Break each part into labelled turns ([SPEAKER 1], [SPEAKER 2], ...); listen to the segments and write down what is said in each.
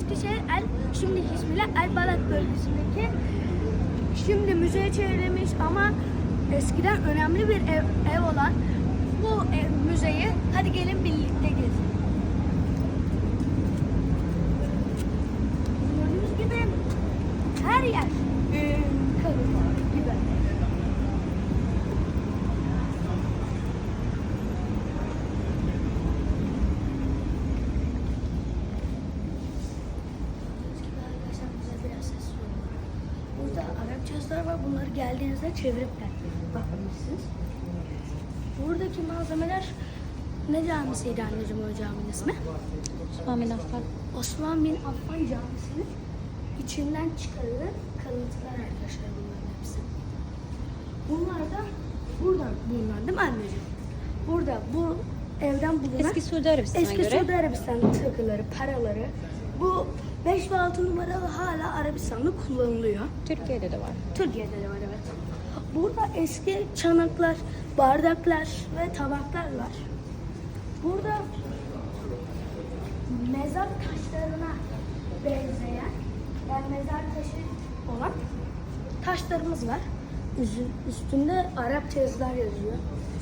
[SPEAKER 1] Eskişehir şimdiki ismiyle Elbalat bölgesindeki şimdi müzeye çevrilmiş ama eskiden önemli bir ev olan bu müzeyi hadi gelin birlikte gezelim. Gördüğünüz gibi her yer kalıntılar gibi. Burada Arapça yazılar var. Bunları geldiğinizde çevirip de bakabilirsiniz. Buradaki malzemeler ne camisiydi anneciğim o caminin ismi?
[SPEAKER 2] Osman bin Affan.
[SPEAKER 1] Osman bin Affan Camisi'nin içinden çıkarılan kalıntılar arkadaşlar bunların hepsi. Bunlar da buradan bulunan değil mi anneciğim? Burada bu evden bulunan
[SPEAKER 2] Eski Suudi Arabistan'a
[SPEAKER 1] eski
[SPEAKER 2] göre.
[SPEAKER 1] Suudi Arabistan takıları, paraları. Bu 5 ve 6 numaralı hala Arabistan'da kullanılıyor.
[SPEAKER 2] Türkiye'de de var.
[SPEAKER 1] Türkiye'de de var evet. Burada eski çanaklar, bardaklar ve tabaklar var. Burada mezar taşlarına benzeyen, yani mezar taşı olan taşlarımız var. Üstünde Arapça yazılar yazıyor.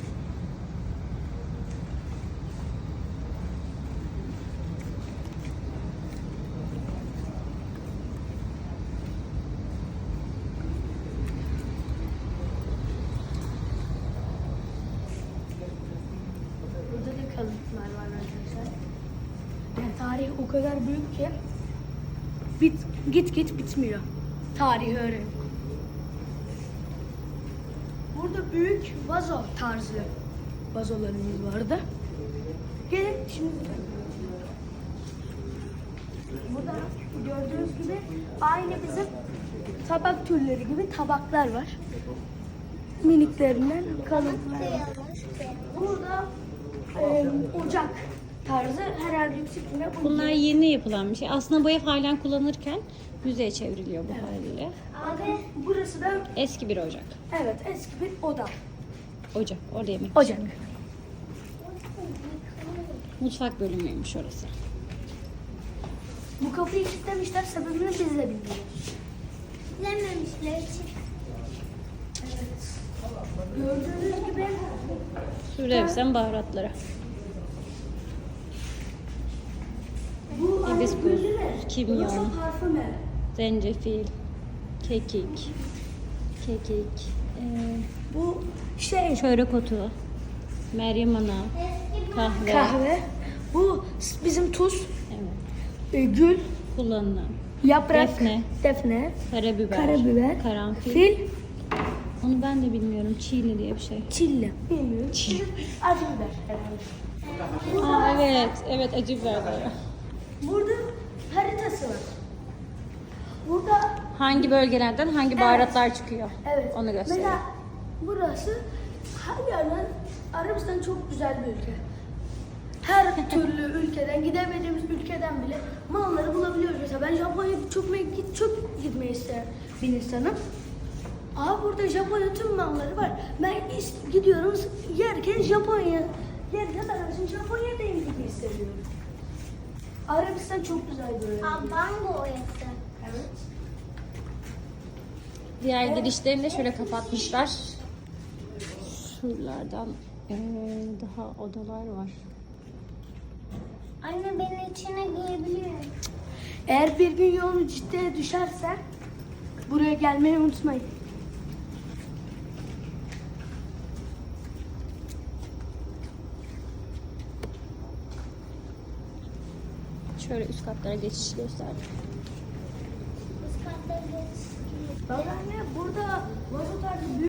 [SPEAKER 1] Burada da kalıntılar var arkadaşlar. Yani tarih o kadar büyük ki git bitmiyor. Tarihi öğren. Burada büyük vazo tarzı vazolarımız vardı. Gelin şimdi. Burada gördüğünüz gibi aynı bizim tabak türleri gibi tabaklar var. Miniklerinden kalıntılar var. Burada ocak tarzı herhalde yüksekliğine
[SPEAKER 2] Bunlar yeni yapılan bir şey. Aslında bu ev halen kullanırken müzeye çevriliyor bu haliyle.
[SPEAKER 1] Abi burası da
[SPEAKER 2] Eski bir ocak.
[SPEAKER 1] evet eski bir oda.
[SPEAKER 2] Ocak. Orada yemek
[SPEAKER 1] Ocak.
[SPEAKER 2] pişiriyor. Mutfak bölümüymüş orası.
[SPEAKER 1] Bu kapıyı kilitlemişler, sebebini biz de bilmiyoruz.
[SPEAKER 3] Bilememişler.
[SPEAKER 1] Evet. Gördüğünüz gibi
[SPEAKER 2] Suudi Arabistan baharatları.
[SPEAKER 1] bu
[SPEAKER 2] Hibiskus, kimyon.
[SPEAKER 1] Burası parfüm evi.
[SPEAKER 2] Zencefil, kekik,
[SPEAKER 1] Bu şey
[SPEAKER 2] çörek otu, Meryem Ana, kahve,
[SPEAKER 1] kahve. Bu bizim tuz,
[SPEAKER 2] evet,
[SPEAKER 1] gül,
[SPEAKER 2] kullanılan,
[SPEAKER 1] yaprak,
[SPEAKER 2] Defne.
[SPEAKER 1] defne,
[SPEAKER 2] karabiber, karanfil.
[SPEAKER 1] fil,
[SPEAKER 2] Onu ben de bilmiyorum. Çiğli diye bir şey.
[SPEAKER 1] çilli. Bilmiyorum. Acı biber herhalde.
[SPEAKER 2] Aa, evet acı biber var.
[SPEAKER 1] Burada haritası var. Burada
[SPEAKER 2] Hangi bölgelerden hangi baharatlar çıkıyor?
[SPEAKER 1] evet.
[SPEAKER 2] Onu gösteriyor.
[SPEAKER 1] Mesela burası her yerden Arabistan çok güzel bir ülke. Her türlü ülkeden, gidemediğimiz ülkeden bile malları bulabiliyoruz. Mesela ben Japonya'ya çok gitmeyi isteyen bir insanım. Aa burada Japonya tüm malları var. Ben gidiyorum yerken yerken arabasın Japonya'dayım gibi hissediyorum. Arabistan çok güzel böyle.
[SPEAKER 3] Abango oyası.
[SPEAKER 1] Evet.
[SPEAKER 2] Diğer girişlerini de şöyle kapatmışlar. Şuralardan daha odalar var.
[SPEAKER 3] Anne beni içine girebilir.
[SPEAKER 1] Eğer bir gün yolun ciddiye düşerse buraya gelmeyi unutmayın.
[SPEAKER 2] Şöyle üst katlara geçiş gösterdim.
[SPEAKER 3] Biz katları geçtik.
[SPEAKER 1] Bak anne burada vazo tarzı büyük